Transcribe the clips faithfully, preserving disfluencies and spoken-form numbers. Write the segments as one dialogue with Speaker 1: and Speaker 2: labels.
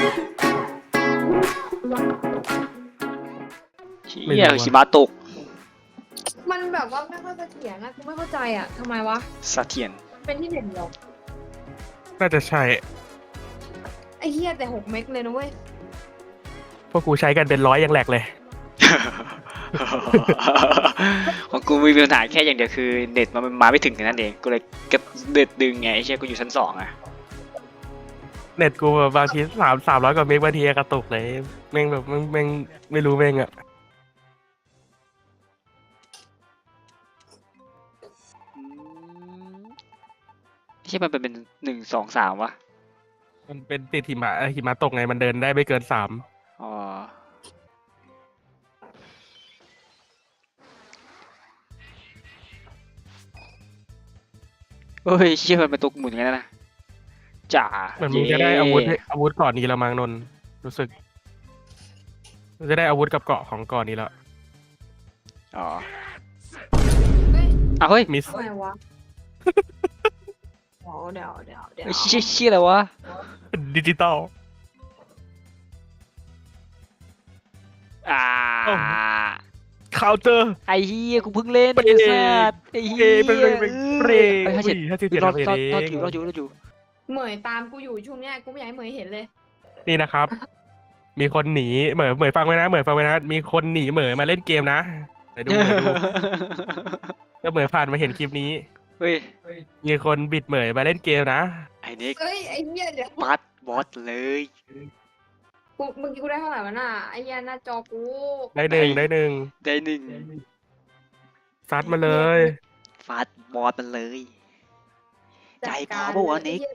Speaker 1: เชี่ยหิมะตก
Speaker 2: มันแบบว่าไม่ค่อยเสถียรนะกูไม่เข้าใจอ่ะทำไมวะ
Speaker 1: เสถียร
Speaker 2: เป็นที่เน็ตเหรอ
Speaker 3: น่าจะใช่
Speaker 2: ไอ้เหี้ยแต่หกเมกเลยนะเว้ย
Speaker 3: พวกกูใช้กันเป็นร้อยยังแหลกเลย
Speaker 1: ของกูมีปัญหาแค่อย่างเดียวคือเน็ตมันมาไม่ถึงแค่นั้นเองกูเลยเก็บเน็ตดึงไงไอ้เชี่ยกูอยู่ชั้นสองอะ
Speaker 3: เน็ตกูแบบบางทีสามสามร้อยกว่าเมกบางทีกระตุกเลยแม่งแบบแม่งแม่งไม่รู้แม่งอ่ะ
Speaker 1: อืมไม่ใช่มันเป็นเป็นหนึ่งสองสามวะ
Speaker 3: มันเป็นติดหิมะเอ่อหิมะตกไงมันเดินได้ไม่เกินสาม
Speaker 1: อ๋อเฮ้ยเชี่ยมันเป็นตัวหมุนอย่างนั้นนะจ๋า
Speaker 3: เหมือนมึงจะได้อาวุธให้อาวุธก่อนนี้แล้วมั้งนนท์รู้สึกมึงจะได้อาวุธกับเกราะของก่อนนี้แล้ว
Speaker 1: อ๋อ
Speaker 2: เฮ้ย
Speaker 1: อ่ะเฮ้ย
Speaker 3: มิส
Speaker 2: ทำไมวะเดี๋ยวเดี๋ยวเดี๋ยวเดี๋ยว
Speaker 1: เฮ้ยเชี่ยเชี่ยอะไรวะ
Speaker 3: ดิจิตอล
Speaker 1: อ่า
Speaker 3: เอ้า เคาน์เตอร์
Speaker 1: ไอ้เฮียกูเพิ่งเล่น
Speaker 3: เปร
Speaker 1: ไอ้
Speaker 3: ย์
Speaker 1: สัสไอ้เฮี
Speaker 3: เอย เป็นเป็นเปรย์
Speaker 1: เอ้ยห้าสิบ
Speaker 3: ห้าสิบ
Speaker 1: เจ็
Speaker 3: เจ็
Speaker 1: ด
Speaker 3: ด
Speaker 1: รอ
Speaker 3: ทำ
Speaker 1: ด
Speaker 3: ไป
Speaker 1: รอด
Speaker 3: เอ
Speaker 1: รอด
Speaker 3: ง
Speaker 1: อยู่รอดอยู่รอดอยู่
Speaker 2: เหมยตามกูอยู่ช่วงเนี้ยกูไม่อยากให้เหมยเห็นเลย
Speaker 3: นี่นะครับ มีคนหนีเหมยเหมยฟังไว้นะเหมยฟังไว้นะ มีคนหนีเหมยมาเล่นเกมนะไหนดูเหมยดูแล้วเหมยผ่านมาเห็นคลิปนี้
Speaker 1: เฮ้ย
Speaker 3: มีคนบิดเหมยมาเล่นเกมนะ
Speaker 1: ไอ้นิก
Speaker 2: เอ้ยไอ้เหี้ยเดี๋ยว
Speaker 1: ปัดบอสเลย
Speaker 2: กูเมื่อกี้กูได้เท่าไหร่วะน่ะไอ้เหี้ยหน้าจอกู
Speaker 3: ได้หนึ่งได้หนึ่ง
Speaker 1: ได้หนึ่ง
Speaker 3: ซัดมาเลย
Speaker 1: ฟาดบอสมันเลย ใจพร้อมปะวะนิก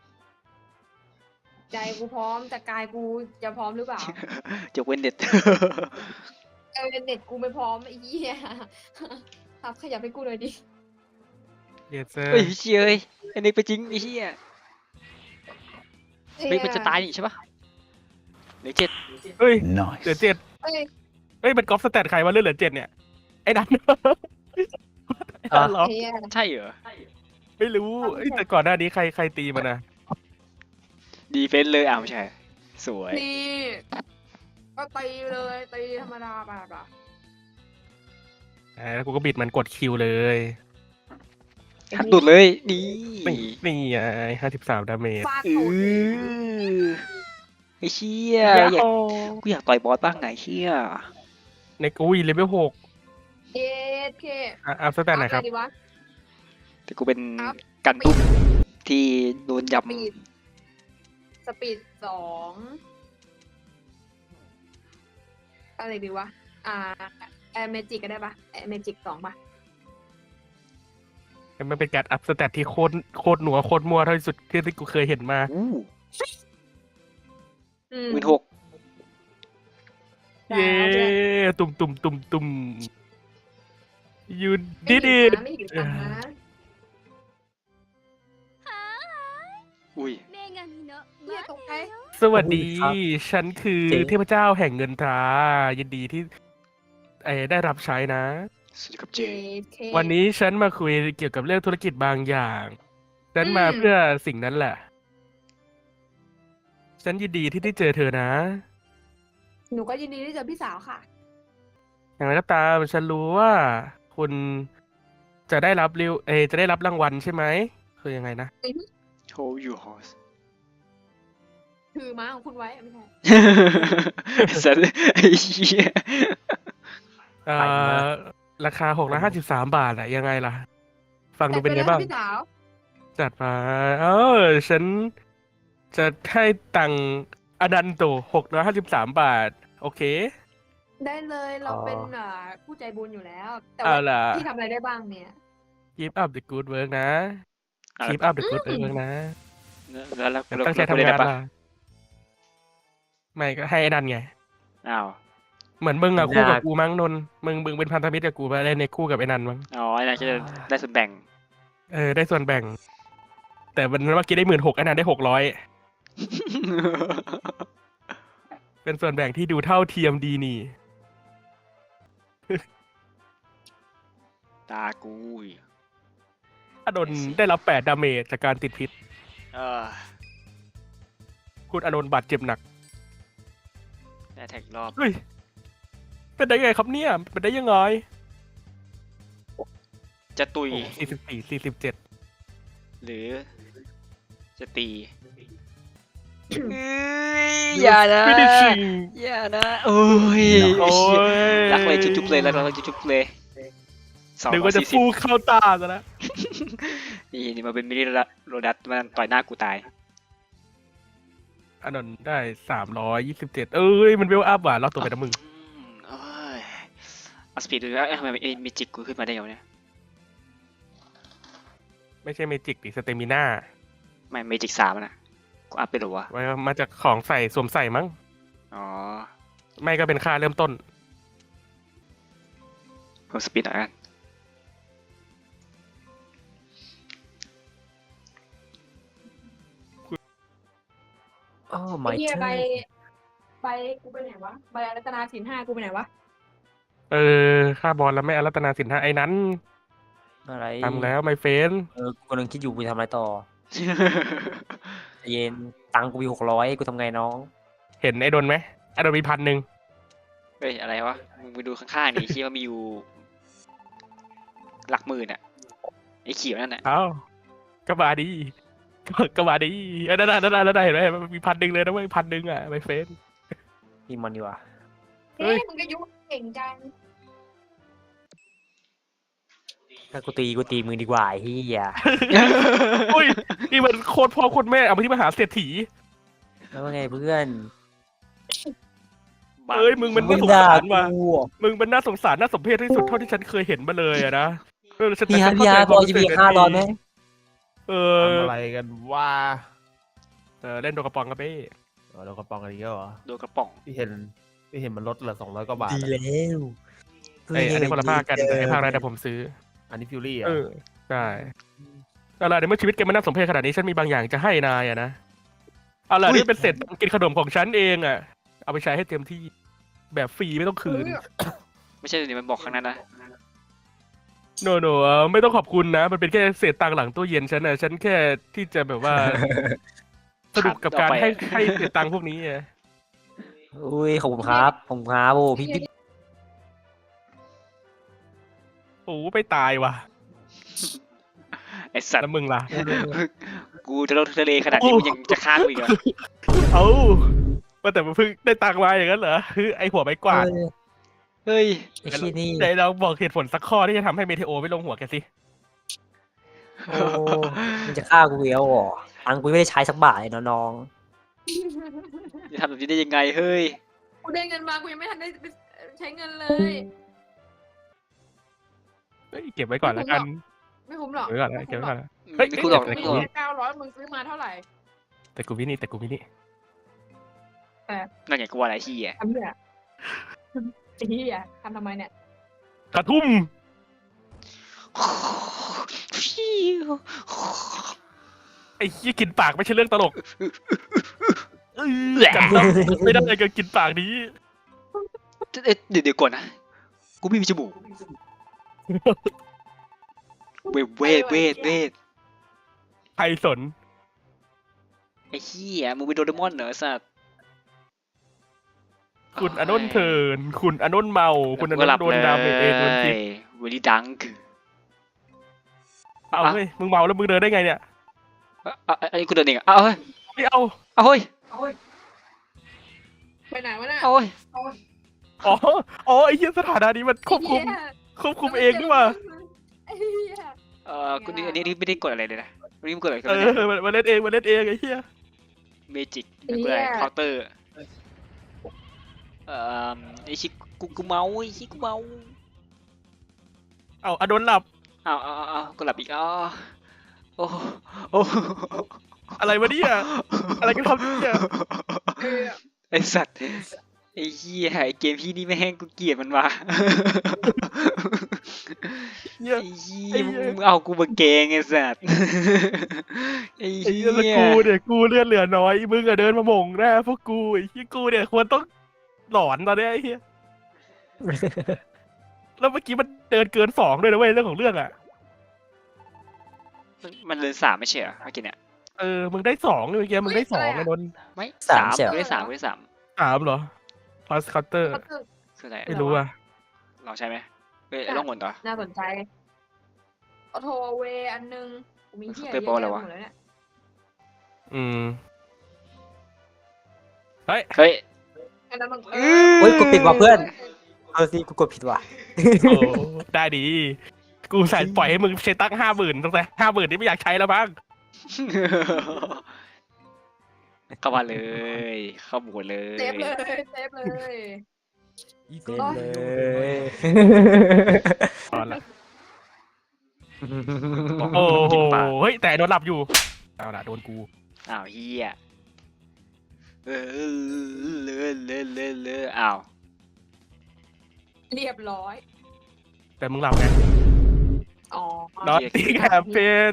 Speaker 2: ใจกูพร้อมแต่กายกูจะพร้อมหรือเปล่า
Speaker 1: จะเว้นเน็ต
Speaker 2: เออเน็ตกูไม่พร้อมไอ้เหี้ยครับขยับให้กูหน่อยดิ
Speaker 3: เยสเซอร์
Speaker 1: เฮ้ยเชี่ยเอ้ยไอ้นิกไปจริงไอ้เหี้ยเฮ้ยมันจะตายนี่ใช่ปะเหลือเจ็ด
Speaker 3: เฮ้ย
Speaker 4: Nice.
Speaker 3: เหลือเจ็ด
Speaker 2: เอ้ย
Speaker 3: เฮ้ยมันก๊อปสแตทใครว่าเลือดเหลือเจ็ดเนี่ยไอ้นันไอ้นันเหรอ
Speaker 2: ไอ้เหี้ย
Speaker 1: ใช่เหรอ
Speaker 3: ไม่รู้เอ้ยแต่ก่อนหน้านี้ใครใครตีมันนะ
Speaker 1: ดีเฟนส์เลยอ้าวไม่ใช่ สวย
Speaker 2: นี่ก็ตีเลยตีธรรมดาไปแบบ
Speaker 3: อ่าแล้วกูก็บิดมันกดคิวเลย
Speaker 1: หักดุดเลย นี่
Speaker 3: นี่นี่ไงห้าสิบสามดาเมจ
Speaker 2: ฟาด
Speaker 1: เอ
Speaker 2: ตูด
Speaker 1: อไอ้เชี่ยอยากกูอยากต่อยบอสบ้างไงเชี่ย
Speaker 3: ในกูวีเลเวลหก
Speaker 2: เอ็ดเค
Speaker 3: อ่ะอัพสแตทไหนครับ
Speaker 2: เอาอะดีวะ
Speaker 1: แต่กูเป็น
Speaker 2: ครับ
Speaker 1: กันตุ้มที่โดนยับ
Speaker 2: สปีดสปีดสองอะไรดีวะ อ่าแอร์เมจิกก็ได้ปะแอร์เมจิกสองปะ
Speaker 3: มันเป็นการอัพสแตทที่โคตรโคตรหนัวโคตรมั่วเท่าที่สุดที่ที่กูเคยเห็นมา
Speaker 1: อู้
Speaker 2: อืม
Speaker 1: หมื่นหก
Speaker 2: ได้
Speaker 3: เย้
Speaker 2: เอาด้วย
Speaker 3: ตุ่มตุ่มตุ่มตุ่มยู
Speaker 2: ไม่
Speaker 3: ดิ
Speaker 2: หิ
Speaker 3: ดิ
Speaker 2: วนะไม่หิวตังค์นะ
Speaker 1: อุ้ย
Speaker 2: เฮียตกใจ
Speaker 3: สวัสดี
Speaker 4: ครับ
Speaker 3: ฉันคือ
Speaker 4: เจ๋ง
Speaker 3: เทพเจ้าแห่งเงินตรายินดีที่เอ่อได้รับใช้นะ
Speaker 1: สวัสดีครับเจ
Speaker 2: เจ็ดเค
Speaker 3: วันนี้ฉันมาคุยเกี่ยวกับเรื่องธุรกิจบางอย่าง ฉันมา
Speaker 2: อืม
Speaker 3: เพื่อสิ่งนั้นแหละ ฉันยินดีที่ได้เจอเธอนะ
Speaker 2: หนูก็ยินดีที่เจอพี่สาวค่ะ
Speaker 3: อย่างไรก็ตามฉันรู้ว่า คุณจะได้รับริวเอยจะได้รับรางวัลใช่ไหมคือยังไงนะ
Speaker 1: Hold your horse
Speaker 2: คือม้าของคุณไว้ไม่ใช่
Speaker 1: สัตว์ไอ้เหี้ย
Speaker 3: เอ่อราคาหกร้อยห้าสิบสามบาทอะยังไงล่ะ ฟังดูเป็นไงบ้าง
Speaker 2: พี่สาว
Speaker 3: จัดมาเออฉันจะให้ตังค์อนันโตหกร้อยห้าสิบสามบาท โอเค
Speaker 2: ได้เลยเรา
Speaker 4: อ๋อ
Speaker 2: เป็นเอ่อผู้ใจบุญอยู่แล้ว แต่
Speaker 3: เอา
Speaker 2: ว่า
Speaker 3: ล่ะ
Speaker 2: พี่ทำอะไรได้บ้างเนี่ย
Speaker 3: keep up the good work นะ keep up the good work นะ
Speaker 1: แล้วแล้ว
Speaker 3: ตั้งใจทำงานล่ะไม่ก็ให้ไอ้นันไง
Speaker 1: อ้าว
Speaker 3: เหมือนมึงอะ
Speaker 4: ทำงาน
Speaker 3: คู่กับกูมั้งนนท์มึงมึงเป็นพันธมิตรกับกูไปเล่นในคู่กับไอ้นันมั้ง
Speaker 1: อ๋อไอ้นั่นจะได้ส่วนแบ่ง
Speaker 3: เออได้ส่วนแบ่ง แต่มันเมื่อกี้ได้หมื่นหกไอ้นันได้หกร้อยเป็นส่วนแบ่งที่ดูเท่าเทียมดีนี่
Speaker 1: ตากูอีก
Speaker 3: อานนท์ได้รับแปดดาเมจจากการติดพิษ
Speaker 1: เออ
Speaker 3: คุณอานนท์บาดเจ็บหนัก
Speaker 1: แท็กรอบ
Speaker 3: เฮ้ยเป็นได้ไงครับเนี่ยเป็นได้ยังไง
Speaker 1: จะตุย
Speaker 3: สี่สิบสี่สี่สิบเจ็ด
Speaker 1: หรือ จะตีเอ้ยอย่านะ
Speaker 3: ไม่ได้ชิง
Speaker 1: อย่านะโอ้ย
Speaker 3: โอ้ย
Speaker 1: รักเลยจุ๊บๆเลยรักเลยจุ๊บๆเลยสอง
Speaker 3: นึก
Speaker 1: ร้อ
Speaker 3: ว่าย จะ
Speaker 1: สี่สิบ
Speaker 3: ฟูเข้าตาซะแล้ว
Speaker 1: นี่นี่มันเป็นมินิโรดัสมันต่อยหน้ากูตาย
Speaker 3: อันนั้นได้สามร้อยยี่สิบเจ็ดเอ้ยมันเวลอัพว่ะรอบตัวไปนะมึง
Speaker 1: อืมเอ้ยเอาสปีดดูแล้วทำไมเมจิกกูขึ้นมาได้ยังเนี่ย
Speaker 3: ไม่ใช่เมจิกดิสเตมิน่า
Speaker 1: ไม่เมจิกสามนะกูอัพไปหรอวะ
Speaker 3: มาจากของใส่สวมใส่มั้ง
Speaker 1: อ๋อ
Speaker 3: ไม่ก็เป็นค่าเริ่มต้น
Speaker 1: เพิ่มสปีดหน่อยกัน
Speaker 4: โอ้
Speaker 2: ไอ้
Speaker 4: my
Speaker 2: เหี้ย
Speaker 4: god
Speaker 2: ใบใบกูไปไหนวะใบรัตนาสินห้ากูไปไหนวะ
Speaker 3: เออค่าบอลแล้วไม่อารัตนาสินห้าไอ้นั้น
Speaker 4: อะไร
Speaker 3: ทำแล้วไมเฟน
Speaker 4: เออกูกำลังคิดอยู่กูจะทำอะไรต่อใจเย็นตังค์กูมีหกร้อยกูทำไงน้อง
Speaker 3: เห็นไอ้โดนไหมไอ้โดนมีพันหนึ่ง
Speaker 1: เฮ้ยอะไรวะมึงไปดูข้างๆนี่ที่ว่ามีอยู่หลักหมื่นอะไอ้เขียวนั่นอะ
Speaker 3: เอ้าก็มาดีก็ก็มาดีเอ้ยนั่นน่ะนั่นน่ะนั่นน่ะเห็นไหมมันมีพันหนึ่งเลยนะเว้ยพันหนึ่งอ่ะไมเฟน
Speaker 4: นี่มันดีกว่า
Speaker 3: เฮ้
Speaker 2: เฮ้
Speaker 3: ย
Speaker 2: ยมึงก็ยุ่งเก่งจัง
Speaker 4: ถ้ากูตีกูตีมึงดีกว่าไอ้เฮีย
Speaker 3: อุ้ยนี่มันโคตรพ่อโคตรแม่เอาไปที่มหาเศรษฐี
Speaker 4: แล้วว่าไงเพื่อน
Speaker 1: บ้า
Speaker 3: เอ้ยมึงมัน
Speaker 4: มึ
Speaker 3: น่าง สง
Speaker 4: ด่า
Speaker 3: สารว่ะ
Speaker 4: กู
Speaker 3: มึงมันน่าสงสารน่าสมเพชที่สุดเท่าที่ฉันเคยเห็นมาเลยอะนะเออฉัน
Speaker 4: พี่ฮะ
Speaker 3: ฉัน
Speaker 4: พี่
Speaker 3: เข้า
Speaker 4: ฮะ
Speaker 3: ใจ
Speaker 4: พอจะมี
Speaker 3: คว
Speaker 4: ห้าม ร้อยไหม
Speaker 3: เออ
Speaker 5: ทำอะไรกันว่า
Speaker 3: เออเล่นโดกระปองกระเบ้
Speaker 5: เรากระป๋องกันอีกแล้วเหรอ
Speaker 1: โดนกระป๋อง
Speaker 5: พี่เห็นพี่เห็นมันลดเหลือสองร้อยกว่าบาท
Speaker 4: ดี
Speaker 5: อะ
Speaker 4: แล้ว
Speaker 3: ไอยอันนี้คนละภาคกันไอภาคแรกแต่ผมซื้อ
Speaker 5: อันนี้ฟิวรี่อ่ะ
Speaker 3: เออใช่เอาล่ะในเมื่อชีวิตแกมันน่าสมเพชขนาดนี้ฉันมีบางอย่างจะให้นายอะนะเอาล่ะนี่เป็นเศษกินขนมของฉันเองอะเอาไปใช้ให้เต็มที่แบบฟรีไม่ต้องคืน
Speaker 1: ไม่ใช่เดี๋ยวมันบอกข้างนั้นนะ
Speaker 3: โนโนเอ่อไม่ต้องขอบคุณนะ มันเป็นแค่เศษตังค์หลังตู้เย็นฉันนะฉันแค่ที่จะแบบว่า สนุกกับการให้ให้เศษตังค์พวกนี้อะ
Speaker 4: อุ้ยขอบคุณครับขอบคุณครับโอ้พี่พี่
Speaker 3: โอ้ไม่ตายว่ะ
Speaker 1: ไอสัต
Speaker 3: แล้ว
Speaker 1: ว์
Speaker 3: มึงล่ะ
Speaker 1: กูจะลงทะเลขนาดนี้มึงยังจะฆ่ากูอีกเหรอ
Speaker 3: เอ้าว่าแต่มันเพิ่งได้ตังค์มาอย่างนั้นเหรอคือไอหัวไม้กวาด
Speaker 4: เออ
Speaker 1: เฮ้ย
Speaker 4: ไอ้ขี้ยนี่
Speaker 3: ไหนเราบอกเหตุผลสักข้อที่จะทำให้เมเทโอไม่ลงหัวแกสิ
Speaker 4: โอ้มึงจะฆ่ากูอีกแล้วเหรอตังค์กูไม่ได้ใช้สักบาทเลยนะน้อง
Speaker 1: จะทำแบบนี้ได้ยังไงเฮ้ย
Speaker 2: กูได้เงินมากูยังไม่ทันได้ใช้เงินเลย
Speaker 3: เอ้ยเก็บไว้ก่อนแล้วกัน
Speaker 2: ไม่คุ้มหรอก
Speaker 3: เก็บไว้ก่อนแล้วเก็บไว้ก่อนแล้ว
Speaker 1: เฮ้ยกูหลอก
Speaker 3: แต่
Speaker 1: ไม่
Speaker 3: กู
Speaker 1: หลอก
Speaker 2: แค่เก้าร้อยมึงซื้อมาเท่าไหร่
Speaker 3: แต่กูวินี่แต่กูวินี่
Speaker 1: นั่นไงกูว่าอะไรที่อ่ะ
Speaker 2: ทำเนี่ยไอ้เหี้ยทำทำไมเนี่ย
Speaker 3: กระทุ่มไอ้ยี่กินปากไม่ใช่เรื่องตลกเอ้ยจำต้องไม่ได้กับกินปากนี้
Speaker 1: เอ๊ะเดี๋ยวเดี๋ยวก่อนนะ กูไม่มีจมูก เวทเวทเวทเวท
Speaker 3: ใครสน
Speaker 1: ไอ้เหี้ยมึงเป็นโดเรมอนเหรอสัตว์
Speaker 3: คุณอนนท์เทินคุณอนนท์เมา คุณอน
Speaker 1: กู
Speaker 3: น
Speaker 1: หลับ
Speaker 3: ท์โด
Speaker 1: เล
Speaker 3: น
Speaker 1: ย
Speaker 3: ดาวเมจเองโดนพิษ
Speaker 1: เวลีดังค์
Speaker 3: เอา
Speaker 1: อ่ะ
Speaker 3: เฮ้ยมึงเมาแล้วมึงเดินได้ไงเนี่ย
Speaker 1: อ่ะอ่ะอันนี้กูเดินเองอ่ะเอาเฮ้ย
Speaker 3: ไม่เอา
Speaker 1: เอาเฮ้ย
Speaker 2: ไปไหนวะน่ะ
Speaker 1: เอาเฮ้ย
Speaker 3: อ๋ออ๋อไอ้เหี้ยสถานะนี้มันควบคุม
Speaker 2: ไอ้เหี้ย
Speaker 3: ควบคุมเองนี่หว่า
Speaker 2: ไอ้เหี้ย
Speaker 1: เอ่อกูนี่อันนี้ไม่ได้กดอะไรเลยนะวันนี้มึงกดอะไรกัน
Speaker 3: เอ
Speaker 1: เนี่ย
Speaker 3: อมันมันเล่นเองมันเล่นเองไอ้เหี้ย
Speaker 1: เมจิกกดอะไรเคาน์เตอร์เอ่อไอ้ชิกูกูเมาไอ้ชิกูเมา
Speaker 3: เอาอนนท์หลับ
Speaker 1: เอาเอาเอาเอากูหลับอีกอ๋อโอ้โอ้
Speaker 3: อะไรวะเนี่ยอะไรกันครับเนี่ย
Speaker 2: เออ
Speaker 1: ไอสัตว์ไอ้เหี้ยไอ้เกมพี่นี่แม่งกูเกลียดมันว่ะ
Speaker 3: เนี่ย
Speaker 1: ไอ้เหี้
Speaker 3: ไอ้
Speaker 1: ย
Speaker 3: เหี้ย
Speaker 1: มึงเอากูมาเกงไอ้สัตว์ไอ้
Speaker 3: ไอ้
Speaker 1: เหี้
Speaker 3: เหี้ยแล้ว
Speaker 1: ย
Speaker 3: กูเนี่ยกูเลือดเหลือน้อยมึงอะเดินมาหม่งหน้าพวกกูไอ้เหี้ยกูเนี่ยควรต้องหลอนตอนเนี้ยไอ้เหี้ยแล้วเมื่อกี้มันเดินเกินสองด้วยนะเว้ยเรื่องของเรื่องอะ
Speaker 1: มันเลยสามไม่ใช่เหรอเมื่อกี้เนี่ย
Speaker 3: เออมึงได้สองเลยเมื่อกี้มึงได้สองไอ้นนท์
Speaker 1: ไม่
Speaker 4: สามเสี่ยว
Speaker 1: กูได้สามกูได้สาม
Speaker 3: สามเหรอพอสเคาน์เตอร์
Speaker 2: ก็คือ
Speaker 1: คืออะไร
Speaker 3: ไม่รู้อ่ะ
Speaker 1: ลองใช้ไหมเอ้ยลองหมุนต่อ
Speaker 2: น่าสนใจออโทเวอันนึงกูมีเที่ย
Speaker 1: เคย
Speaker 2: เย
Speaker 1: บอก
Speaker 2: อะ
Speaker 1: แล้
Speaker 2: แยะ
Speaker 1: ววะ
Speaker 2: หมดเลยเนี่ย
Speaker 3: อืมเฮ้ย
Speaker 1: เฮ้ย
Speaker 2: อันนั้นมัน
Speaker 1: อืม
Speaker 4: โอ้ยกูปิดว่ะเพื่อน เออสิกูกดผิดว่ะ
Speaker 3: โอ้ได้ดี กูใส่ปล่อยให้มึงใช้ตั้งห้าหมื่นตั้งแต่ห้าหมื่นนี่ไม่อยากใช้แล้วบ้าง
Speaker 1: เข้ามาเลย เข้าหมดเลย
Speaker 2: เซฟเลยเซฟเลย
Speaker 4: เล่นเลย
Speaker 3: ตอนละโอ้โหเฮ้ยแต่โดนหลับอยู่เอาละโดนกู
Speaker 1: อ้าวเฮียเออเลอะเลอะเลอะเลอะอ้าว
Speaker 2: เรียบร้อย
Speaker 3: แต่มึงหลับไง
Speaker 2: อ๋อ
Speaker 3: นอตติ้งแฮมเพน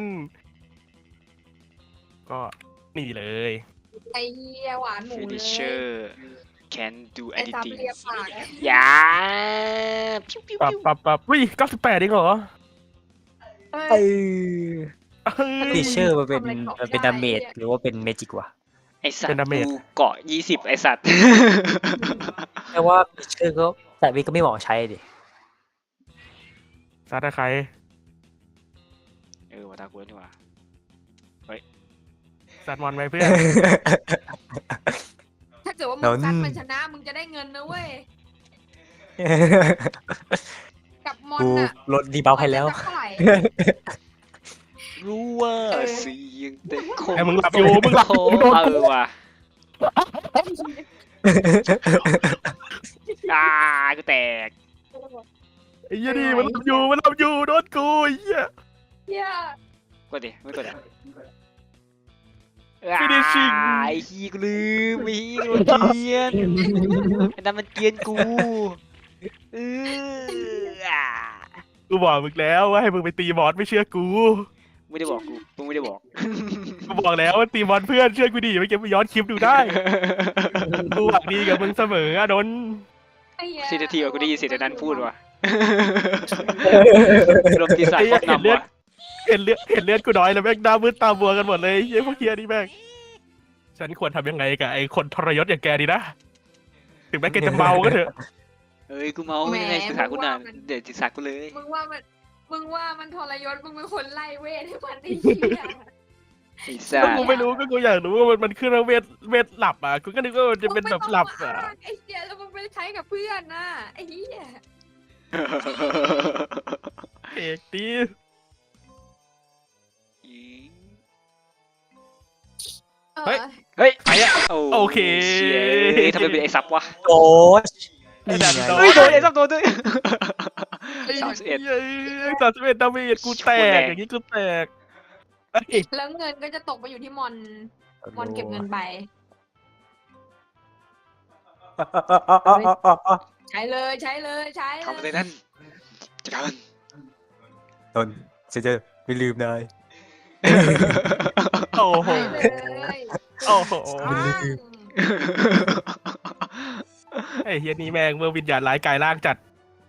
Speaker 3: ก็นี่เลย
Speaker 2: ไอ้เหี้ยหวานหมู
Speaker 1: ฟิ
Speaker 2: เล
Speaker 1: นิ
Speaker 2: ย
Speaker 1: เชอร์ can do
Speaker 2: ไอ้ซับ
Speaker 1: anything
Speaker 2: เรียบปากอะ
Speaker 1: อย่าปิ้วปิ้ว
Speaker 3: ปับ
Speaker 1: ปิ้ว
Speaker 3: ปับปับวิ่งเก้าสิบแปดเองเหรอ
Speaker 2: เฮ้
Speaker 4: เอย อ
Speaker 3: เฮ้ย
Speaker 4: ฟีเชอร์มันเป็น
Speaker 2: ทำอะไรของ
Speaker 4: มันเป็น
Speaker 2: ได้
Speaker 4: ดาเมจ
Speaker 2: เนี่ย
Speaker 4: หรือว่าเป็นเมจิกวะ
Speaker 1: ไอสัต
Speaker 3: เป็น
Speaker 1: ว์
Speaker 3: ดาเมจ
Speaker 1: กูเกาะยี่สิบไอสัตว์
Speaker 4: แต่ว่าฟีเชอร์ก็แต่วิก็ไม่เหมาะใช้ดิ
Speaker 3: ซาดาใคร
Speaker 1: เออวัตากูนี่หว่า
Speaker 3: ซัดมอนไหมเพื่อน
Speaker 2: ถ้าเกิดว่ามึ
Speaker 4: นั่
Speaker 2: ง
Speaker 4: น
Speaker 2: ซัดมันชนะมึงจะได้เงินนะเว้ยกับมอน
Speaker 4: กู
Speaker 2: อะ
Speaker 4: ลดดีบัฟให้แล้ว
Speaker 2: มันจะเท่าไหร่
Speaker 1: รู้ว่า
Speaker 2: เออ
Speaker 1: เสียงแต่คง
Speaker 3: ไอ้มึงหลับอยู่มึงหลับอยู่มึงโดน
Speaker 1: เอ
Speaker 3: กู
Speaker 1: อว่ะอ่ากูแตก
Speaker 3: ไอ้เหี้ยนี่มันหลับอยู่มันหลับอยู่โดนกูไอ้เหี้ย
Speaker 2: เหี้ย
Speaker 1: กดดิไม่กดอ่ะ
Speaker 3: Finishing
Speaker 1: อ่าไอ้ขี้กูลืมไอ้ขี้กูเกลียนไอ้นั่นมันเกลียนกูเอออ่า
Speaker 3: กูบอกมึงแล้วว่าให้มึงไปตีบอสไม่เชื่อกู
Speaker 1: ไม่ได้บอกกูมึงไม่ได้บอก
Speaker 3: กูบอกแล้วว่าตีบอลเพื่อนเชื่อกูดิไม่เก็บไปย้อนคลิปดูได้ กูหวังดีกับมึงเสมออะดน
Speaker 2: ไอ้เหี้ย
Speaker 1: สินาทีว่ากูได้ยินเสียงนั้นพูดว่ะรวมปีศาจ
Speaker 3: ไอ้
Speaker 1: คร
Speaker 3: เหี้
Speaker 1: อย บ
Speaker 3: เห็น
Speaker 1: นำ
Speaker 3: เลือด
Speaker 1: ว่ะ
Speaker 3: เห็นเลือดเห็นเลือดกูน้อยแล้วแม่งหน้ามืดตาบัวกันหมดเลยไอ้พวกเฮียนี่แม่งฉันควรทำยังไงกับไอ้คนทรยศอย่างแกดีนะถึงแม้แกจะเมาก็เถอะ
Speaker 1: เอ้ยกูเมายังไงศึกษากูนานเดี๋ยวศึกษากูเลย
Speaker 2: มึงว่ามันมึงว่ามันทรยศมึงเป็นคนไล่เวทให้มันไอ้เหี้ย
Speaker 1: ไอ้สั
Speaker 3: ก็
Speaker 1: ส
Speaker 3: กูไม่รู้ก็กูอยากรู้ว่ามันมันขึ้นว่าเวทเวทหลับอ่ะกูก็นึกว่ามันจะเป็นแบบหลับ
Speaker 2: มึง
Speaker 3: อ่ะ
Speaker 2: ไม่ต้องมาอ้างไอ้เหี้ยแล้วมึงไปใช้กับเพื่อนน่ะไอ้เหี้ย
Speaker 3: เอกดี
Speaker 2: เฮ้ย
Speaker 1: เฮ้ย
Speaker 3: ไปอ่ะ โอเค
Speaker 1: เชี่ยทำไมเป็นไอ้ซับวะ
Speaker 4: โอ้ช
Speaker 3: ไอ้
Speaker 4: นี่
Speaker 3: ดัน
Speaker 4: ไง
Speaker 3: โด
Speaker 1: เฮ้ยโดนไอ้ซับโดนด้วย สามสิบเอ็ด
Speaker 3: สามสิบเอ็ดดาเมจกูแตกอย่างนี้กูแตกเอ้ย
Speaker 2: แล้วเงินก็จะตกไปอยู่ที่มอนมอนเก็บเงินไป ใช้เลยใช้เลยใช้เล
Speaker 1: ทำอะไร
Speaker 2: ย
Speaker 1: นั่นจัดการมัน
Speaker 4: ตนฉันจะไม่ลืมนาย
Speaker 3: โอ้โห
Speaker 2: ใช้เลย
Speaker 3: โอ้โห
Speaker 2: อ้าง
Speaker 3: ไอ้เฮียนี่แม่งเมื่อวิญญาณร้ายกายร่างจัด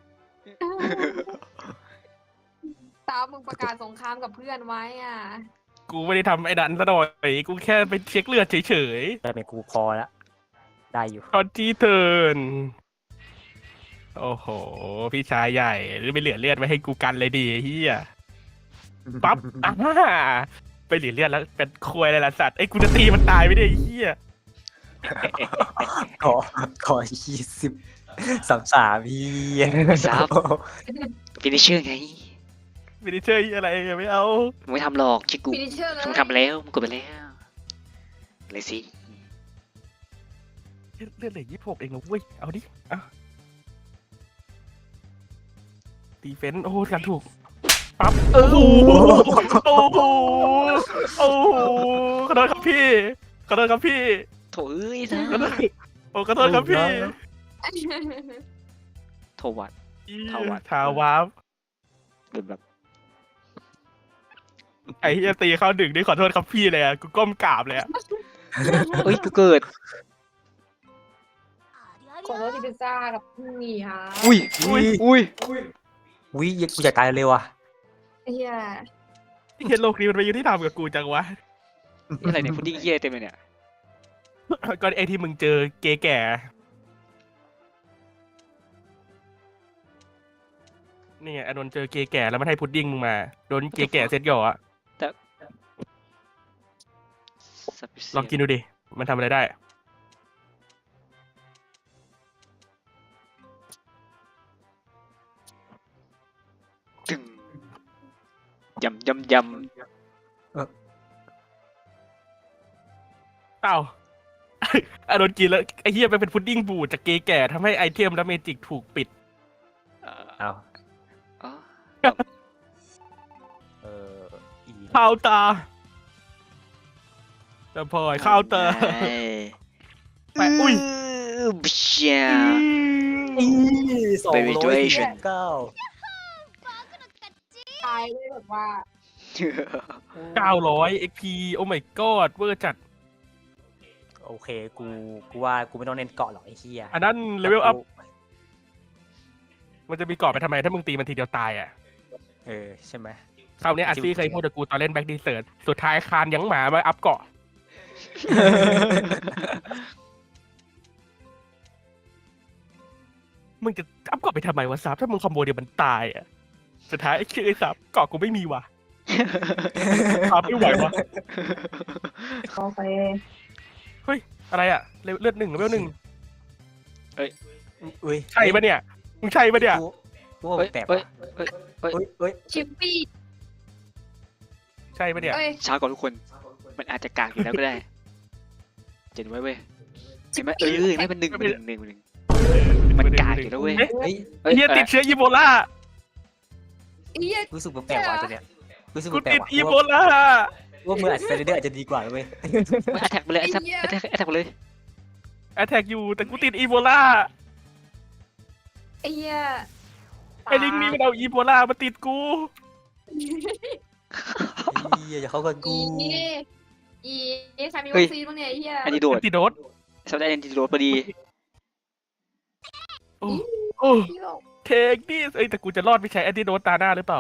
Speaker 2: ตามมึงประกาศสงครามกับเพื่อนไว้อ่ะ
Speaker 3: กูไม่ได้ทำไอ้ดันซะหน่อยกูแค่ไปเช็คเลือดเฉย
Speaker 4: ได้เป็นกูพอแล้วได้อยู่
Speaker 3: ๆตอนที่เทิร์นโอ้โห พี่ชายใหญ่หรือไปเหลือเลือดไว้ให้กูกันเลยดีเฮียปั๊บอ่าไปเหลือเลือดแล้วเป็นควยอะไรล่ะสัตว์ไอ้กูจะตีมันตายไม่ได้ไอ้เฮีย
Speaker 4: ขอขอยี่สิบสามสามพี่
Speaker 1: ซับฟินิชเชอร์ไง
Speaker 3: ไม่ได้เชื่ออะไรไม่เอา
Speaker 1: มึงไม่ทำหรอกชิกู
Speaker 2: ฟินิชเชอร์เลย
Speaker 1: มึงทำไปแล้วมึงกดไปแล้วเลยสิ
Speaker 3: เลือดเหลือยี่สิบหกเองนะเว้ยเอาดิอ่ะดีเฟนต์โอ้โหกันถูกปั๊บโอ้โหโอ้โหโอ้โหขอโทษครับพี่ขอโทษครับพี่
Speaker 1: โถเอ้ยนะ
Speaker 3: ขอโทษโอ้ขอโทษครับพี่
Speaker 1: โถวัด ทาวัด
Speaker 3: ทาวาฟ
Speaker 1: เป็นแบบ
Speaker 3: ไอ้เฮียตีเข้าดึกนี่ขอโทษครับพี่เลยอ่ะกูก้มกราบเลยอ่ะ
Speaker 1: เอ้ยกูเกิด
Speaker 2: ขอโทษที่พิซซ่ากับนี่ค่ะ
Speaker 1: อุ้ยอุ้ยอุ้ย
Speaker 4: วิกูอยากตายเร็วอ่ะ
Speaker 2: ไอ้เหี้ย
Speaker 3: เฮียโลกนี้มันไปอยู่ที่ทำกับกูจังวะ
Speaker 1: นี่อะไรเนี่ยพุดดิ้งเฮียเต็มเลยเนี่ย
Speaker 3: ก็ไอ้ที่มึงเจอเกย์แก่นี่ไงอานนท์เจอเกย์แก่แล้วมันให้พุดดิ้งมึงมาโดนเกย์แก่เซ็ตหย่ออะ
Speaker 1: สับเสีย
Speaker 3: ลองกินดูดิมันทำอะไรได้
Speaker 1: ตึงยำยำย
Speaker 3: เอ้า อานนท์กินแล้วไอ้เหี้ยมันเป็นพุดดิ้งบูดจากเกย์แก่ทำให้ไอเทมและเมจิกถูกปิด
Speaker 1: ำเอ่อ
Speaker 4: เอา
Speaker 1: อ๋อ
Speaker 4: เอออี
Speaker 3: ข้าวตาแต่พลอยข้าวเตอร์ ไปอุ้ย
Speaker 1: บิชเชีย
Speaker 4: อีสอง
Speaker 1: Baby
Speaker 4: ร้อย
Speaker 1: Duration
Speaker 4: เก้า
Speaker 2: ตายเลยแบบว่า
Speaker 3: เก้าร้อยเอ็กพีโอ้ my god เวอร์จัด
Speaker 4: โอเคกูกูว่ากูไม่ต้องเน้นเกาะหรอกไอ้เหี้ย
Speaker 3: อันนั้นเลเวลอัพมันจะมีเกาะไปทำไมถ้ามึงตีมันทีเดียวตายอ่ะ
Speaker 4: เออใช่ไหม
Speaker 3: คราวนี้อาซี่เคยพูดกับกูตอนเล่นแบ็กดีเซิร์ตสุดท้ายคานยังหมามาอัพเกาะ มึงจะอัพเกาะไปทำไมวะซับถ้ามึงคอมโบเดียวมันตายอ่ะ สุดท้ายไอ้เชื่อไอ้ซับเกาะกูไม่มีว่ะซับไม่ไหววะ
Speaker 2: โอเค
Speaker 3: อะไรอ่ะเลือดหนึ่งเลเวลหนึ่ง
Speaker 4: อุ้ย
Speaker 3: ใช่ปะเนี่ยมึงใช่ปะเนี่ย
Speaker 4: กูกูว่า
Speaker 1: เฮ้ย
Speaker 4: แปลก
Speaker 1: เฮ้ย
Speaker 4: ว่ะ
Speaker 1: เฮ้ย
Speaker 4: เฮ้ยเฮ้ย
Speaker 2: ชิปปี้
Speaker 3: ใช่ปะเนี่ย
Speaker 2: เอ้ย
Speaker 1: ช้ากว่าทุกคน มันอาจจะกากอยู่แล้วก็ได้เจ็ดไว้เว้ยเห็นไหมเออเห็นไหมมันหนึ่งมันหนึ่งหนึ่งหนึ่ง มันกากอยู่แล้วเว้ย
Speaker 3: เอ๊ะ
Speaker 4: เฮ้ย
Speaker 3: ไอ้เหี้ยติดเชื้ออีโบลา
Speaker 2: ไอ้เหี้ย
Speaker 4: รู้สึกแปลกๆว่ะตัวเนี้ยรู้สึก
Speaker 3: กู
Speaker 4: แปล
Speaker 3: ติ
Speaker 4: ก
Speaker 3: ด
Speaker 4: ๆว่ะ
Speaker 3: อีโบ
Speaker 4: ว่า
Speaker 3: ลา
Speaker 4: ว่ามืออัดสไลเดอร์อาจจะดีกว่าเว้ย
Speaker 1: มันแอทแทกไปเลยแอทแทกแอทแทกแอทแทกไปเลย
Speaker 3: แอทแทกอยู่แต่กูติดอีโบลา
Speaker 2: ไอ้เหี้ย
Speaker 3: ไอ้ลิงนี่มันเอาอีโบลามาติดกู
Speaker 4: เหี้ยอย่าเข้ากันกู
Speaker 2: อีอีใครมีวัคซีนบ้างเนี่ยไอ้เหี้ย
Speaker 1: อันนี้โดด
Speaker 3: ติดโดด
Speaker 1: สัปดาห์แอนติโดดพอดี
Speaker 3: โอ้โอ้เทคดิเอ้ยแต่กูจะรอดไม่ใช้แอนติโดดตาหน้าหรือเปล่า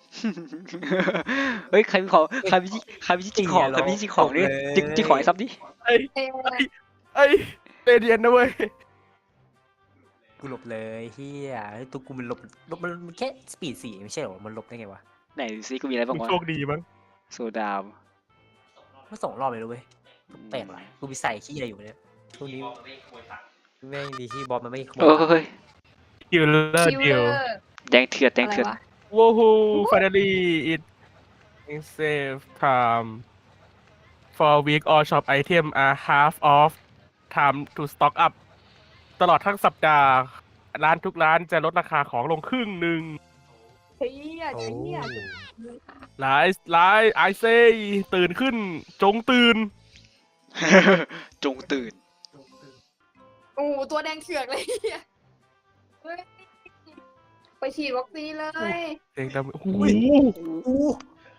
Speaker 1: เฮ้ยใครมีของใครมีใครมีจิกของใครมีจิกของดิจิกจิกของไอ้ซับดิ
Speaker 3: ไอ้
Speaker 2: เอ้ย
Speaker 3: ไอ้เตเดียนนะเว้ย
Speaker 4: กูหลบเลยเฮียตัวกูมันหลบหลบมันมันแค่สปีดสี่ไม่ใช่เหรอมันหลบได้ไงวะ
Speaker 1: ไหนดูซิกูมีอะไรบ้าง
Speaker 3: มึง
Speaker 1: วะ
Speaker 3: โชคดีมั้ง
Speaker 1: โซดาม
Speaker 4: มันสองรอบเลยนะเว้ยแปลกว่ะกูมีใส่ขี้อะไรอยู่เนี่ยช่วงนี้แม่งดีที่บอลมันไม่ขโม
Speaker 1: เอย อเฮ้ย
Speaker 3: คิวเลอร์
Speaker 2: คิว
Speaker 3: เดี
Speaker 2: เล
Speaker 3: ยว
Speaker 2: อร์
Speaker 1: แดงเถื่อนแดง
Speaker 2: อะไร
Speaker 1: เถื่อน
Speaker 2: วะ
Speaker 3: ว้าวฮูฟานาลีอิทเซฟไทม์ for week all shop item are half off time to stock up ตลอดทั้งสัปดาห์ ร้านทุกร้านจะลดราคาของลงครึ่งหนึ่ง
Speaker 2: เฮีย
Speaker 4: โอ้
Speaker 2: เฮีย
Speaker 3: หลายหลายไอเซตื่นขึ้น จงตื่น
Speaker 1: จงตื่น
Speaker 2: โอ้โหตัวแดงเถือกเลยเฮียเฮ้ยไปฉีดวัคซีนเลย
Speaker 3: เสียงดังโอ้โห
Speaker 4: อู้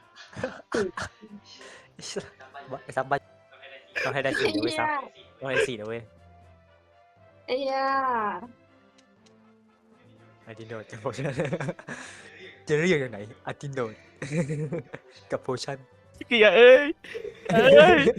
Speaker 4: ไอ้ซับบ้าต้องให้ได้สี่นะเว้ยซับต้องให้ได้สี่นะเว้ย
Speaker 2: ไอ้เหี้ย
Speaker 4: อาติโนดกับโพชั่นจะเรียกอย่างไหนอาติโนดกับโพชั่น
Speaker 3: เกียร์เอ้ยเอ้ย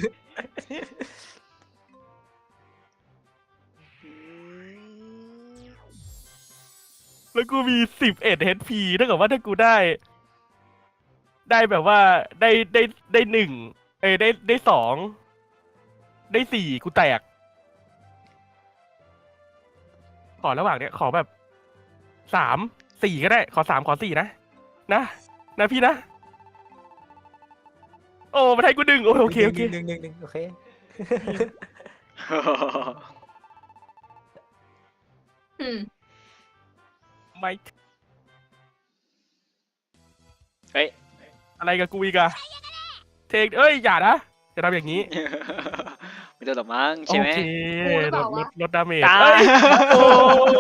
Speaker 3: แล้วกูมีสิบเอ็ด เอช พี ถ้าเกิดว่าถ้ากูได้ ได้แบบว่าได้ได้ได้หนึ่งเอ้ยได้ได้สองได้สี่กูแตก ขอระหว่างเนี้ยขอแบบสามสี่ก็ได้ ขอสามขอสี่นะ นะนะพี่นะ โอ้มาให้กูดึงโอโอเคโอเค
Speaker 4: หนึ่งหนึ่งหนึ่งโอเค
Speaker 2: อืม
Speaker 3: ไม่
Speaker 1: เฮ้ย
Speaker 3: อะไรกับกูอีกอะเทคเอ้ย อย่านะ จะทำอย่างนี้
Speaker 1: ไม่ต้องหรอกมั้งใช่ไหม
Speaker 3: โอเคลดลดลดดาเมจ
Speaker 1: ตา
Speaker 3: เอ้ยโอ้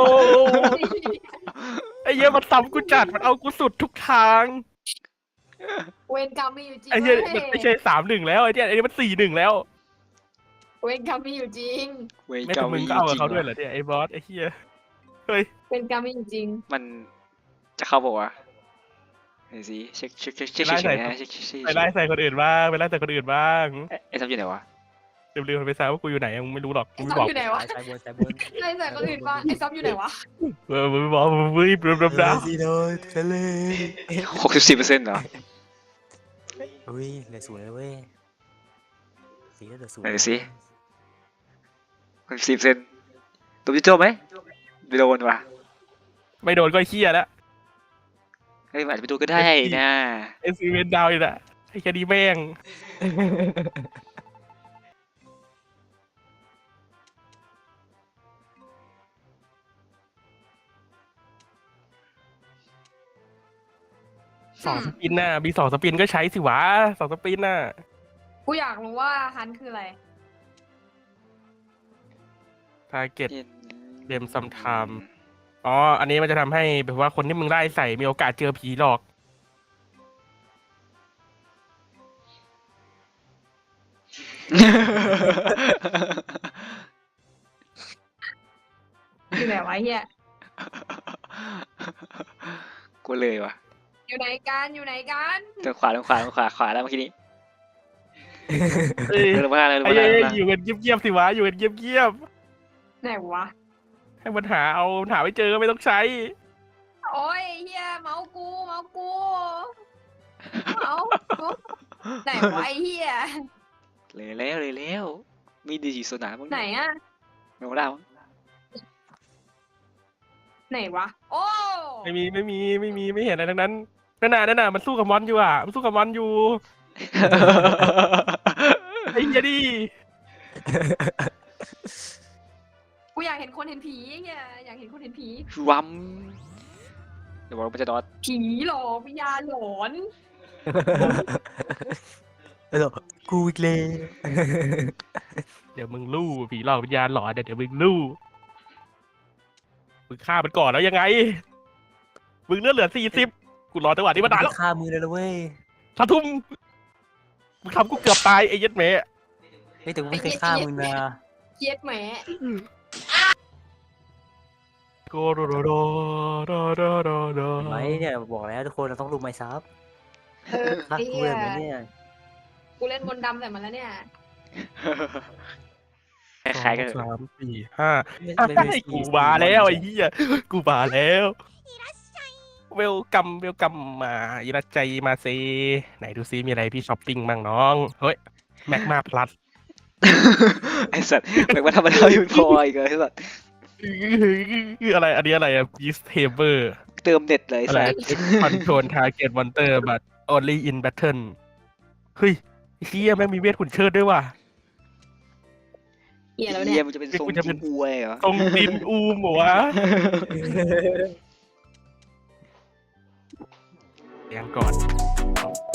Speaker 3: ไอ้เหี้ยมันซ้ำกูจัด มันเอากูสุดทุกทาง
Speaker 2: เวรกรรมมีอยู่จริง
Speaker 3: ไอ้เหี้ย
Speaker 2: ว้
Speaker 3: มันไม่ใช่สามหนึ่งแล้วไอ้เหี้ยไอ้นี่มันสี่หนึ่งแล้ว
Speaker 2: เวรกรรมมีอยู่จริง
Speaker 1: เวร
Speaker 3: ไม่
Speaker 1: กร
Speaker 3: ต้
Speaker 1: ร
Speaker 3: อ
Speaker 1: ม
Speaker 3: งมึง
Speaker 1: มี
Speaker 3: ก็เอา
Speaker 1: จ
Speaker 3: กับ
Speaker 1: ริง
Speaker 3: เขาด้วยเหร
Speaker 1: ว่ะ
Speaker 3: อเนี่ยไอ้บอสไอ้เหี้ยเฮ้ย
Speaker 2: เวรกรรมมีอยู่จริง
Speaker 1: มันจะเข้าบอกว่าวะไหนสิเช็คเช็คเช็คเช็คเฉยๆนะเช็คเช็คเช็ค
Speaker 3: ไปไล่ใส่คนอื่นบ้างไปไล่ใส่คนอื่นบ้าง
Speaker 1: เอ๊ะไอ้ซับอยู่ไหนวะ
Speaker 3: ลืมๆไปซะว่ากูอยู่ไหนมึงไม่รู้หรอก
Speaker 2: ไอ้
Speaker 3: มึง
Speaker 2: ซั
Speaker 3: ไม่
Speaker 2: บ
Speaker 3: บอก
Speaker 2: อยู่ไหนวะ
Speaker 4: สายบนสายบน
Speaker 2: ไอ้ใส่คนอื่นบ้างไอ้ซับอยู่ไหนวะ
Speaker 3: เออมึงไม่บอกมึงไม่เบลอๆนะ
Speaker 4: ซีโดทะเล
Speaker 1: หกสิบสี่เปอร์เซ็นต์เหรอ
Speaker 4: อุ้ยเหลือศูนย์เลยเว้ยสีเหลือศูนย์
Speaker 1: ไหนดูสิ หกสิบสี่เปอร์เซ็นต์ตัวพี่โจ้ไหมไปโดนว่ะ
Speaker 3: ไม่โดนก็เฮี้ยแล้ว
Speaker 1: เฮ้ยมันอาจจะไปโดนก็ได้นะ
Speaker 3: เอสซีเวนดาวอีกอะไอ้แค่นี้แม่ง สองสปินน่ะมีสองสปินก็ใช้สิวะสองสปินน่ะ
Speaker 2: กูอยากรู้ว่าฮันคืออะไร
Speaker 3: ทาร์เก็ต เดมซัมไทม์ อ๋อ อันนี้มันจะทำให้แบบว่าคนที่มึงไล่ใส่มีโอกาสเจอผีหลอก
Speaker 2: อยู่ไหนวะเฮีย
Speaker 1: กูเลยว่ะ
Speaker 2: อยู่ไหนกันอยู่ไหนกัน
Speaker 1: ทางขวาทางขวาทางขวาขวาแล้วเมื่อกี้นี้
Speaker 3: เอ้ย
Speaker 1: เดินมาเลยเดิน
Speaker 3: ไอ้
Speaker 1: มา
Speaker 3: เอ้
Speaker 1: เลย
Speaker 3: ยอยู่กันเงียบๆสิวะ อยู่กันเงียบ
Speaker 2: ไหนวะ
Speaker 3: ๆให้มันหาเอาหาไม่เจอก็ไม่ต้องใช้
Speaker 2: โอ้ยเฮียเมาส์กูเมาส์กูเมาส์ไหนวะไอ้เฮีย
Speaker 1: เลยแล้วเลยแล้วมีดีจีโซนาบ้าง
Speaker 2: ไหนอะ
Speaker 1: ไม่รู้แล้ว
Speaker 2: ไหนวะโอ้
Speaker 3: ไม่มีไม่มีไม่มีไม่เห็นอะไรทั้งนั้นนั่นน่ะนั่นน่ะมันสู้กับมอนอยู่อ่ะมันสู้กับมอนอยู่ ไอ้เหี้ยดิ
Speaker 2: กูอยากเห็นคนเห็นผีเฮียอยากเห็นคนเห็นผี
Speaker 1: วัมเดี๋ยวบอกว่ามันจะนอน
Speaker 2: ผีหลอกวิญญาณหลอน
Speaker 4: เออกูอีกเลย
Speaker 3: เดี๋ยวมึงลู่ผีหลอกวิญญาณหลอนเดี๋ยวเดี๋ยวมึงลู่มึงฆ่ามันก่อนแล้วยังไงมึงเลือดเหลือสี่สิบกูรอจังหวะนี้มานานแล้ว
Speaker 4: ฆ่ามือเลยนะเว้ย
Speaker 3: ทาทุ่มมึงทำกูเกือบตายไอ้เหี้ยัดแม่
Speaker 4: เฮ้ยแต่กูไม่เคยฆ่ามึงนะ
Speaker 2: เย็ดแหม
Speaker 3: โกโรโรโรโรโรโรโร
Speaker 4: เห็นไหมเนี่ยบอกแล้วทุกคนเราต้องรู้ไมซับ
Speaker 2: เออ
Speaker 4: ฆ่า
Speaker 2: ไอ้
Speaker 4: กู
Speaker 2: เฮี
Speaker 4: เลย ยเหมือนเนี่ย
Speaker 2: กูเล่นมนต์ดำใส่มันแล้วเนี่ย
Speaker 1: คล้ายๆกัน
Speaker 3: สามสี่ห้า
Speaker 4: ไม่ไม่
Speaker 3: ไอ้
Speaker 4: ไม่
Speaker 3: กูมาแล้วไอ้เหี้ยกูมาแล้วเวลกัมเวลกัมมาอิรัจใจมาเซไหนดูซิมีอะไรพี่ช้อปปิ้งบ้างน้องเฮ้ยแม็กมาพลัส
Speaker 1: ไอ้สัตว์แม่งมาทำมันเอาอยู่พออีกเลยไอ้สัตว์
Speaker 3: อะไรอันนี้อะไรอะพีสเทเบอร์
Speaker 1: เติมเน็ตเลยไอ้
Speaker 3: อะไร
Speaker 1: สัตว์
Speaker 3: คอนโทรลทาร์เก็ตมอนเตอร์บัต only in battle เฮ้ยเฮียแม่งมีเวทขุนเชิดด้วยว่ะ
Speaker 2: เฮียแล้วเนี่
Speaker 1: เฮี
Speaker 2: ย
Speaker 1: ยมันจะเป็นทรง
Speaker 3: กูจะเป็น
Speaker 1: จิงอวยเหรอ
Speaker 3: ตรงดินอูมเหรอวะเลี้ยงก่อน